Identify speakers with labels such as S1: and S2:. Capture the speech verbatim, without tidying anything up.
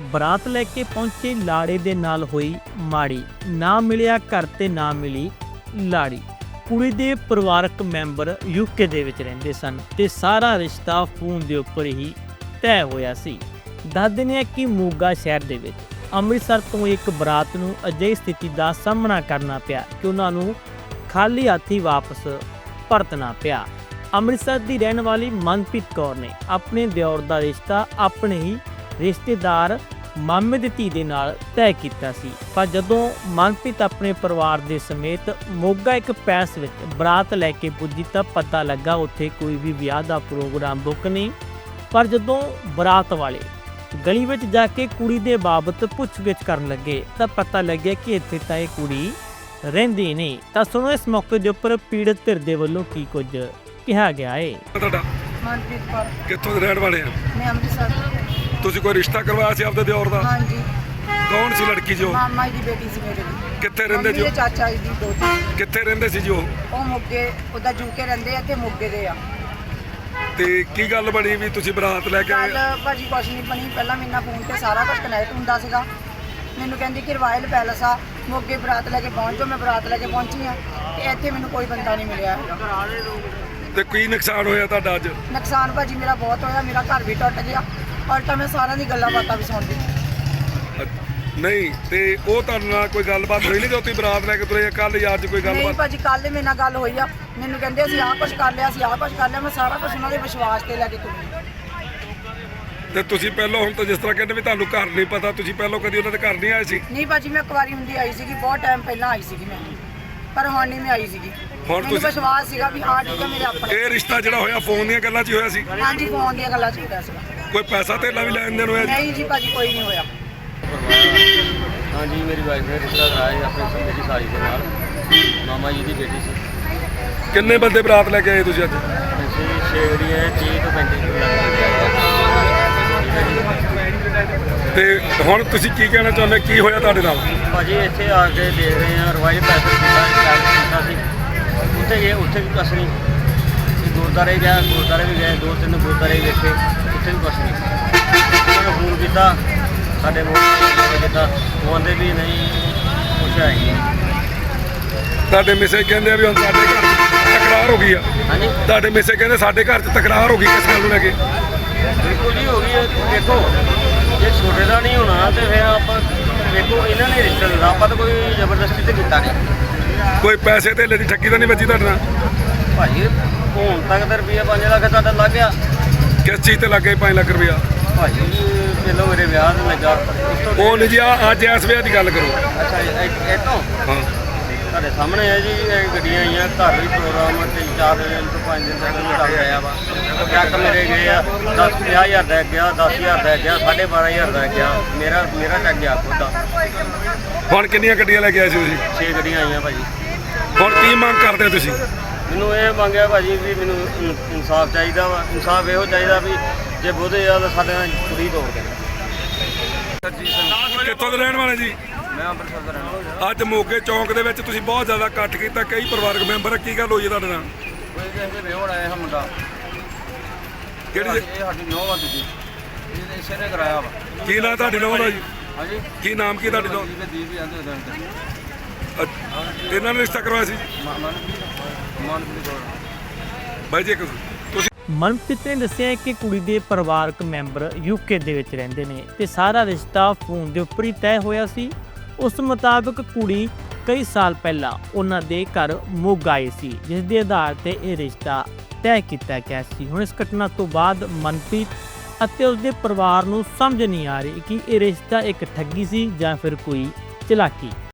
S1: ਬਰਾਤ ਲੈ ਕੇ ਪਹੁੰਚੇ ਲਾੜੇ ਦੇ ਨਾਲ ਹੋਈ ਮਾੜੀ, ਨਾ ਮਿਲਿਆ ਘਰ ਤੇ ਨਾ ਮਿਲੀ ਲਾੜੀ। ਕੁੜੀ ਦੇ ਪਰਿਵਾਰਕ ਮੈਂਬਰ ਯੂਕੇ ਦੇ ਵਿੱਚ ਰਹਿੰਦੇ ਸਨ ਤੇ ਸਾਰਾ ਰਿਸ਼ਤਾ ਫੋਨ ਦੇ ਉੱਪਰ ਹੀ ਤੈਅ ਹੋਇਆ ਸੀ। ਦੱਸਦੇ ਨੇ ਕਿ ਮੋਗਾ ਸ਼ਹਿਰ ਦੇ ਵਿੱਚ ਅੰਮ੍ਰਿਤਸਰ ਤੋਂ ਇੱਕ ਬਰਾਤ ਨੂੰ ਅਜਿਹੀ ਸਥਿਤੀ ਦਾ ਸਾਹਮਣਾ ਕਰਨਾ ਪਿਆ ਕਿ ਉਹਨਾਂ ਨੂੰ ਖਾਲੀ ਹੱਥੀ ਵਾਪਸ ਪਰਤਣਾ ਪਿਆ। ਅੰਮ੍ਰਿਤਸਰ ਦੀ ਰਹਿਣ ਵਾਲੀ ਮਨਪ੍ਰੀਤ ਕੌਰ ਨੇ ਆਪਣੇ ਦਿਓਰ ਦਾ ਰਿਸ਼ਤਾ ਆਪਣੇ ਹੀ ਰਿਸ਼ਤੇਦਾਰ ਮਾਮੇ ਦੀ ਧੀ ਦੇ ਨਾਲ ਤੈਅ ਕੀਤਾ ਸੀ, ਪਰ ਜਦੋਂ ਮਨਪ੍ਰੀਤ ਆਪਣੇ ਪਰਿਵਾਰ ਦੇ ਸਮੇਤ ਮੋਗਾ ਇੱਕ ਪੈਲਸ ਵਿੱਚ ਬਰਾਤ ਲੈ ਕੇ ਪੁੱਜੀ ਤਾਂ ਪਤਾ ਲੱਗਾ ਉੱਥੇ ਕੋਈ ਵੀ ਵਿਆਹ ਦਾ ਪ੍ਰੋਗਰਾਮ ਬੁੱਕ ਨਹੀਂ। ਪਰ ਜਦੋਂ ਬਰਾਤ ਵਾਲੇ ਗਲੀ ਵਿੱਚ ਜਾ ਕੇ ਕੁੜੀ ਦੇ ਬਾਬਤ ਪੁੱਛਗਿੱਛ ਕਰਨ ਲੱਗੇ ਤਾਂ ਪਤਾ ਲੱਗਿਆ ਕਿ ਇੱਥੇ ਤਾਂ ਇਹ ਕੁੜੀ ਰਹਿੰਦੀ ਨਹੀਂ। ਤਾਂ ਸੁਣੋ ਇਸ ਮੌਕੇ ਦੇ ਉੱਪਰ ਪੀੜਤ ਧਿਰ ਦੇ ਵੱਲੋਂ ਕੀ ਕੁਝ ਕਿਹਾ ਗਿਆ ਹੈ।
S2: ਤੁਹਾਡਾ
S3: ਮਨਪ੍ਰੀਤ ਕੌਰ,
S2: ਕਿੱਥੋਂ ਦੇ ਰਹਿਣ ਵਾਲੇ ਆ?
S3: ਮੈਂ ਅੰਮ੍ਰਿਤਸਰ ਤੋਂ।
S2: ਤੁਸੀਂ ਕੋਈ ਰਿਸ਼ਤਾ ਕਰਵਾਇਆ ਸੀ ਆਪਦੇ ਦਿਓਰ ਦਾ?
S3: ਹਾਂਜੀ,
S2: ਕੌਣ ਸੀ ਲੜਕੀ ਜੋ?
S3: ਮਾਮਾ ਜੀ ਦੀ ਬੇਟੀ ਸੀ ਮੇਰੇ ਦੀ।
S2: ਕਿੱਥੇ ਰਹਿੰਦੇ ਜੋ?
S3: ਮੇਰੇ ਚਾਚਾ ਜੀ ਦੀ ਦੋਤੀ।
S2: ਕਿੱਥੇ ਰਹਿੰਦੇ ਸੀ ਜੋ?
S3: ਉਹ ਮੋਗੇ, ਉਹਦਾ ਯੂਕੇ ਰਹਿੰਦੇ ਆ ਤੇ ਮੋਗੇ ਦੇ ਆ।
S2: ਤੇ ਕੀ ਗੱਲ ਬਣੀ ਵੀ ਤੁਸੀਂ ਬਰਾਤ ਲੈ ਕੇ
S3: ਕੱਲ
S2: ਆਏ?
S3: ਭਾਜੀ ਕੁਛ ਨਹੀਂ ਬਣੀ। ਪਹਿਲਾਂ ਮੇਰੇ ਨਾਲ ਫੋਨ ਤੇ ਸਾਰਾ ਕੁਝ ਕਨੈਕਟ ਹੁੰਦਾ ਸੀਗਾ। ਮੈਨੂੰ ਕਹਿੰਦੀ ਕਿ ਰਾਇਲ ਪੈਲਸ ਆ ਮੋਗੇ, ਬਰਾਤ ਲੈ ਕੇ ਪਹੁੰਚੋ। ਮੈਂ ਬਰਾਤ ਲੈ ਕੇ ਪਹੁੰਚੀ ਆ ਤੇ ਇੱਥੇ ਮੈਨੂੰ ਕੋਈ ਬੰਦਾ ਨਹੀਂ ਮਿਲਿਆ ਹੈਗਾ।
S2: ਤੇ ਕੀ ਨੁਕਸਾਨ ਹੋਇਆ ਤੁਹਾਡਾ ਅੱਜ?
S3: ਨੁਕਸਾਨ ਭਾਜੀ ਮੇਰਾ ਬਹੁਤ ਹੋਇਆ। ਮੇਰਾ ਘਰ ਵੀ ਟੁੱਟ ਗਿਆ ਔਰ ਤਾਂ ਮੈਂ ਸਾਰਿਆਂ ਦੀ ਗੱਲਾਂ ਬਾਤਾਂ ਵੀ ਸੁਣਦੀ।
S2: ਨਹੀਂ ਤੇ ਉਹ ਤੁਹਾਡੇ ਨਾਲ ਕੋਈ ਗੱਲਬਾਤ ਹੋਈ ਨਹੀਂ ਜੋ ਤੁਸੀਂ ਬਰਾਤ ਲੈ ਕੇ ਤੁਰੇ ਕੱਲ ਯਾਰ ਚ ਕੋਈ
S3: ਨਹੀਂ
S2: ਗੱਲਬਾਤ?
S3: ਭਾਜੀ, ਕੱਲ੍ਹ ਮੇਰੇ ਨਾਲ ਗੱਲ ਹੋਈ ਆ। ਮੈਨੂੰ ਕਹਿੰਦੇ ਅਸੀਂ ਆਹ ਕੁਛ ਕਰ ਲਿਆ, ਅਸੀਂ ਆਹ ਕੁਛ ਕਰ ਲਿਆ। ਮੈਂ ਸਾਰਾ ਕੁਝ ਉਹਨਾਂ ਦੇ ਵਿਸ਼ਵਾਸ ਤੇ ਲੈ ਕੇ ਤੁਰੀ।
S2: ਤੇ ਤੁਸੀਂ ਪਹਿਲਾਂ ਹੁਣ ਤਾਂ ਜਿਸ ਤਰ੍ਹਾਂ ਕਹਿੰਦੇ ਵੀ ਤੁਹਾਨੂੰ ਘਰ ਨਹੀਂ ਪਤਾ, ਤੁਸੀਂ ਪਹਿਲਾਂ ਕਦੀ ਉਹਨਾਂ ਦੇ ਘਰ ਨਹੀਂ ਆਏ ਸੀ?
S3: ਨਹੀਂ ਭਾਜੀ, ਮੈਂ ਇੱਕ ਵਾਰੀ ਹੁੰਦੀ ਆਈ ਸੀਗੀ, ਬਹੁਤ ਟਾਈਮ ਪਹਿਲਾਂ ਆਈ ਸੀਗੀ ਮੈਂ, ਪਰ ਹੁਣ ਨਹੀਂ ਮੈਂ ਆਈ ਸੀਗੀ।
S2: ਹੁਣ
S3: ਮੈਨੂੰ
S2: ਤੁਸੀਂ-
S3: ਵਿਸ਼ਵਾਸ ਸੀਗਾ ਵੀ ਹਾਂ ਠੀਕ ਹੈ ਮੇਰੇ ਆਪਣੇ।
S2: ਇਹ ਰਿਸ਼ਤਾ ਜਿਹੜਾ ਹੋਇਆ ਫੋਨ ਦੀਆਂ ਗੱਲਾਂ 'ਚ ਹੀ ਹੋਇਆ ਸੀ?
S3: ਹਾਂਜੀ, ਫੋਨ ਦੀਆਂ ਗੱਲਾਂ ਚਾਹੀਦਾ ਸੀਗਾ।
S2: ਕੋਈ ਪੈਸਾ ਧੇਲਾ ਵੀ ਲੈਣ ਦੇਣ ਹੋਇਆ ਜੀ?
S3: ਨਹੀਂ ਜੀ ਭਾਜੀ, ਕੋਈ ਨਹੀਂ ਹੋਇਆ।
S4: हाँ जी, मेरी वाइफ ने रिश्ता कराया है अपने मेरी साली के नाल, मामा जी की बेटी से।
S2: ਕਿੰਨੇ ਬੰਦੇ ਬਰਾਤ ਲੈ ਕੇ ਆਏ ਤੁਸੀਂ ਅੱਜ?
S4: ਅਸੀਂ ਛੇ ਜਿਹੜੀ ਹੈ ਤੀਹ ਤੋਂ ਪੈਂਤੀ ਕਿਲੋ
S2: ਤੇ ਹੁਣ ਤੁਸੀਂ ਕੀ ਕਹਿਣਾ ਚਾਹੁੰਦੇ, ਕੀ ਹੋਇਆ ਤੁਹਾਡੇ ਨਾਲ?
S4: ਭਾਜੀ ਇੱਥੇ ਆ ਕੇ ਦੇਖ ਰਹੇ ਹਾਂ ਰਵਾਇਲ ਪੈਸੇ ਕੀਤਾ ਸੀ, ਉੱਥੇ ਗਏ, ਉੱਥੇ ਵੀ ਕੁਛ ਨਹੀਂ। ਗੁਰਦੁਆਰੇ ਗਿਆ, ਗੁਰਦੁਆਰੇ ਵੀ ਗਏ, ਦੋ ਤਿੰਨ ਗੁਰਦੁਆਰੇ ਵੇਖੇ, ਉੱਥੇ ਵੀ ਕੁਛ ਨਹੀਂ। ਉਹਨਾਂ ਨੂੰ ਫੋਨ ਕੀਤਾ, ਸਾਡੇ ਮੋਬਾਈਲ ਕੀਤਾ, ਉਹ ਆਂਦੇ ਵੀ ਨਹੀਂ ਕੁਛ ਹੈ ਹੀ ਨਹੀਂ।
S2: ਤੁਹਾਡੇ ਮਿਸੇ ਕਹਿੰਦੇ ਆ ਵੀ ਹੁਣ ਸਾਡੇ ਘਰ 'ਚ ਤਕਰਾਰ ਹੋ ਗਈ ਆ?
S4: ਹਾਂਜੀ,
S2: ਤੁਹਾਡੇ ਮਿਸੇ ਕਹਿੰਦੇ ਸਾਡੇ ਘਰ 'ਚ ਤਕਰਾਰ ਹੋ ਗਈ, ਕਿਸ ਗੱਲ ਨੂੰ ਲੈ ਕੇ?
S4: ਬਿਲਕੁਲ ਜੀ ਹੋ ਗਈ ਹੈ। ਦੇਖੋ ਜੇ ਛੋਟੇ ਦਾ ਨਹੀਂ ਹੋਣਾ ਤੇ ਫਿਰ ਆਪਾਂ ਦੇਖੋ ਇਹਨਾਂ ਨੇ ਰਿਸ਼ਤਾ ਦਿੱਤਾ, ਆਪਾਂ ਤਾਂ ਕੋਈ ਜ਼ਬਰਦਸਤੀ ਤੇ ਕੀਤਾ ਨਹੀਂ।
S2: ਕੋਈ ਪੈਸੇ ਧੇਲੇ ਦੀ ਠੱਗੀ ਤਾਂ ਨਹੀਂ ਵੱਜੀ ਤੁਹਾਡੇ ਨਾਲ?
S4: ਭਾਜੀ ਹੁਣ ਤੱਕ ਤਾਂ ਰੁਪਈਆ ਪੰਜ ਲੱਖ ਤੁਹਾਡਾ ਲੱਗ ਗਿਆ।
S2: ਕਿਸ ਚੀਜ਼ ਤੇ ਲੱਗੇ ਪੰਜ ਲੱਖ ਰੁਪਇਆ?
S4: ਭਾਜੀ ਪਹਿਲਾਂ ਮੇਰੇ ਵਿਆਹ ਤੇ ਲੱਗਾ, ਉਸ ਤੋਂ
S2: ਉਹ ਨਹੀਂ ਜੀ, ਆ ਅੱਜ ਇਸ ਵੇਲੇ ਦੀ ਗੱਲ ਕਰੋ।
S4: ਅੱਛਾ ਇਹ ਤੋਂ
S2: ਹਾਂ,
S4: ਤੁਹਾਡੇ ਸਾਹਮਣੇ ਹੈ ਜੀ, ਇਹ ਗੱਡੀਆਂ ਆਈਆਂ, ਘਰ ਵੀ ਪ੍ਰੋਗਰਾਮ ਤਿੰਨ ਚਾਰ ਦਿਨ ਤੋਂ ਪੰਜ ਦਿਨ ਤੱਕ ਵੀ ਚੱਲ ਰਿਹਾ ਵਾ। ਚੱਕ ਮੇਰੇ ਗਏ ਆ ਦਸ ਪੰਜਾਹ ਹਜ਼ਾਰ ਦਾ ਗਿਆ, ਦਸ ਹਜ਼ਾਰ ਦਾ ਗਿਆ, ਸਾਢੇ ਬਾਰਾਂ ਹਜ਼ਾਰ ਦਾ ਗਿਆ। ਮੇਰਾ ਮੇਰਾ ਚੱਕ ਗਿਆ ਖੁਦ ਦਾ।
S2: ਹੁਣ ਕਿੰਨੀਆਂ ਗੱਡੀਆਂ ਲੈ ਕੇ ਆਏ ਸੀ ਤੁਸੀਂ?
S4: ਛੇ ਗੱਡੀਆਂ ਆਈਆਂ ਭਾਜੀ।
S2: ਹੁਣ ਕੀ ਮੰਗ ਕਰਦੇ ਤੁਸੀਂ?
S4: ਮੈਨੂੰ ਇਹ ਮੰਗਿਆ ਭਾਜੀ ਵੀ ਮੈਨੂੰ ਇਨ- ਇਨਸਾਫ ਚਾਹੀਦਾ ਵਾ। ਇਨਸਾਫ ਇਹੋ ਚਾਹੀਦਾ ਵੀ ਜੇ ਬੋਧੇ ਆ ਤਾਂ ਸਾਡੇ ਨਾਲ ਕੁੜੀ ਤੋੜ ਦੇ।
S2: ਕਿੱਥੋਂ ਦੇ ਰਹਿਣ ਵਾਲੇ ਜੀ?
S4: ਮੈਂ ਅੰਮ੍ਰਿਤਸਰ ਦਾ ਰਹਿਣ ਵਾਲਾ।
S2: ਅੱਜ ਮੋਗੇ ਚੌਂਕ ਦੇ ਵਿੱਚ ਤੁਸੀਂ ਬਹੁਤ ਜ਼ਿਆਦਾ ਇਕੱਠ ਕੀਤਾ, ਕਈ ਪਰਿਵਾਰਕ ਮੈਂਬਰ ਆ, ਕੀ ਗੱਲ ਹੋਈ ਹੈ ਤੁਹਾਡੇ ਨਾਲ?
S4: ਕੋਈ ਕਿਸੇ ਦੇ ਵਿਹੋੜ ਆਇਆ ਹੈ ਮੁੰਡਾ,
S2: ਕਿਹੜੀ
S4: ਇਹ ਸਾਡੀ ਨੌਂ ਵਾ ਦੂਜੀ, ਇਹ ਇਸੇ ਨੇ ਕਰਾਇਆ ਵਾ।
S2: ਕੀ ਨਾਂ ਤੁਹਾਡੀ ਨੌਂ ਦਾ ਜੀ?
S4: ਹਾਂਜੀ,
S2: ਕੀ ਨਾਮ ਕੀ ਤੁਹਾਡੀ ਨੌਂ?
S4: ਦੀਪ ਦੀਪ ਵੀ ਆਂਦੇ ਉਹਦੇ ਅੰਦਰ।
S2: ਅੱਛਾ, ਇਹਨਾਂ ਨੇ ਰਿਸ਼ਤਾ ਕਰਵਾਇਆ ਸੀ?
S4: ਮਨਪ੍ਰੀਤ ਮਨਪ੍ਰੀਤ ਕੌਰ।
S2: ਬਾਈ ਜੀ ਇੱਕ ਤੁਸੀਂ
S1: ਮਨਪ੍ਰੀਤ ਨੇ ਦੱਸਿਆ ਕਿ ਕੁੜੀ ਦੇ ਪਰਿਵਾਰਕ ਮੈਂਬਰ ਯੂਕੇ ਦੇ ਵਿੱਚ ਰਹਿੰਦੇ ਨੇ ਤੇ ਸਾਰਾ ਰਿਸ਼ਤਾ ਫੋਨ ਦੇ ਉੱਪਰ ਹੀ ਤੈਅ ਹੋਇਆ ਸੀ। ਉਸ ਮੁਤਾਬਕ ਕੁੜੀ ਕਈ ਸਾਲ ਪਹਿਲਾਂ ਉਹਨਾਂ ਦੇ ਘਰ ਮੋਗਾ ਆਈ ਸੀ, ਜਿਸ ਦੇ ਆਧਾਰ ਤੇ ਇਹ ਰਿਸ਼ਤਾ ਤੈਅ ਕੀਤਾ ਗਿਆ ਸੀ। ਹੁਣ ਇਸ ਘਟਨਾ ਤੋਂ ਬਾਅਦ ਮਨਪ੍ਰੀਤ ਅਤੇ ਉਸਦੇ ਪਰਿਵਾਰ ਨੂੰ ਸਮਝ ਨਹੀਂ ਆ ਰਹੀ ਕਿ ਇਹ ਰਿਸ਼ਤਾ ਇੱਕ ਠੱਗੀ ਸੀ ਜਾਂ ਫਿਰ ਕੋਈ ਚਲਾਕੀ।